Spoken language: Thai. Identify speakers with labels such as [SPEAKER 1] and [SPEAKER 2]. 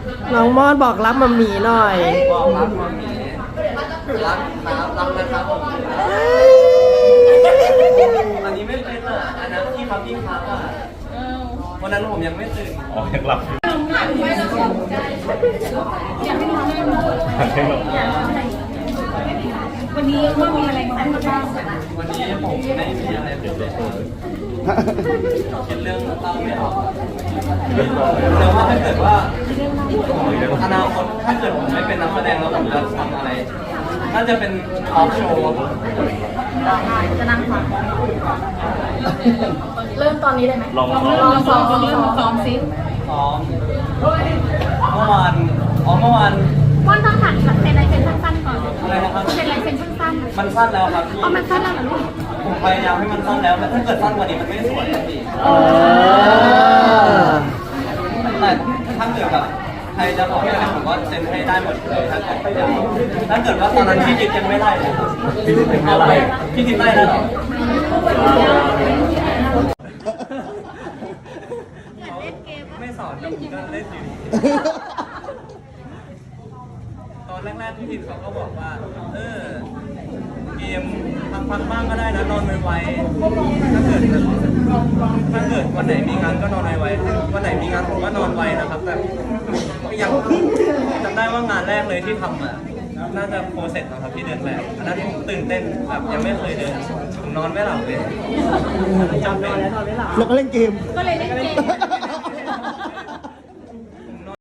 [SPEAKER 1] น้องมอดบอกรับมัมมี่หน่อย
[SPEAKER 2] บอกรักมามีรักครับรักนะครับผมอันนี้ไม่เป็นอ่ะอันนั้นที่ครับที่ครับอ่ะวันนั้นผมยังไม่ตื่น
[SPEAKER 3] อ๋อยังหลับอยู่
[SPEAKER 4] วันนี้ว่ามีอะไรบ้าง
[SPEAKER 2] วันนี้ผมไม่มีอะไรเลยคิดเรื่องเล่าไม่ออกแต่ว่าถ้าเกิดว่าอนาคตถ้าเกิดผมไม่เป็นนักแสดงแล้วผมจะทำอะไรน่าจะเป็นทอล์กโชว์
[SPEAKER 4] จะนั่งฟังเริ่มตอนนี้ได้ไหมลองซ้อมซิ
[SPEAKER 2] ซ้อมเมื่อวาน
[SPEAKER 4] ว่านต้องหัดเซ็นลายเซ็นสั้นๆก่อน
[SPEAKER 2] อะไรนะครับ
[SPEAKER 4] เซ็นลายเซ็นสั้น
[SPEAKER 2] มันสั้นแล้วครับพี่
[SPEAKER 4] มันสั้นแล้วเหรอลูก
[SPEAKER 2] ผมพยายามให้มันสั้นแล้วถ้าเกิดสั้นกว่านี้มันไม่สวยพี่แต่ถ้าเกิดแบบใครจะบอกอะไรผมก็เซ็นให้ได้หมดเลยถ้าเกิดว่าตอนนั้นพี่จิ๊บยังไม่ไล่เลยพี่จิ๊บไม่ไล่พี่จิ๊บไล่แล้วเหรอไม่สอนผมก็เล่นอยู่ตอนแรกๆพี่จิ๊บเขาก็บอกว่าเกมพักบ้างก็ได้นะนอนไวๆถ้าเกิดวันไหนมีงานก็นอนไวๆวันไหนมีงานผมก็นอนไวนะครับแต่ยังจำได้ว่างานแรกเลยที่ทำอ่ะน่าจะโปรเซสนะครับที่เดินแบบอันนั้นผมตื่นเต้นแบบยังไม่เคยเดินผมนอนไม่หลับเลยจำเป็น
[SPEAKER 1] แล้วก็เล่นเกม
[SPEAKER 4] ก็เลยเล่นเกม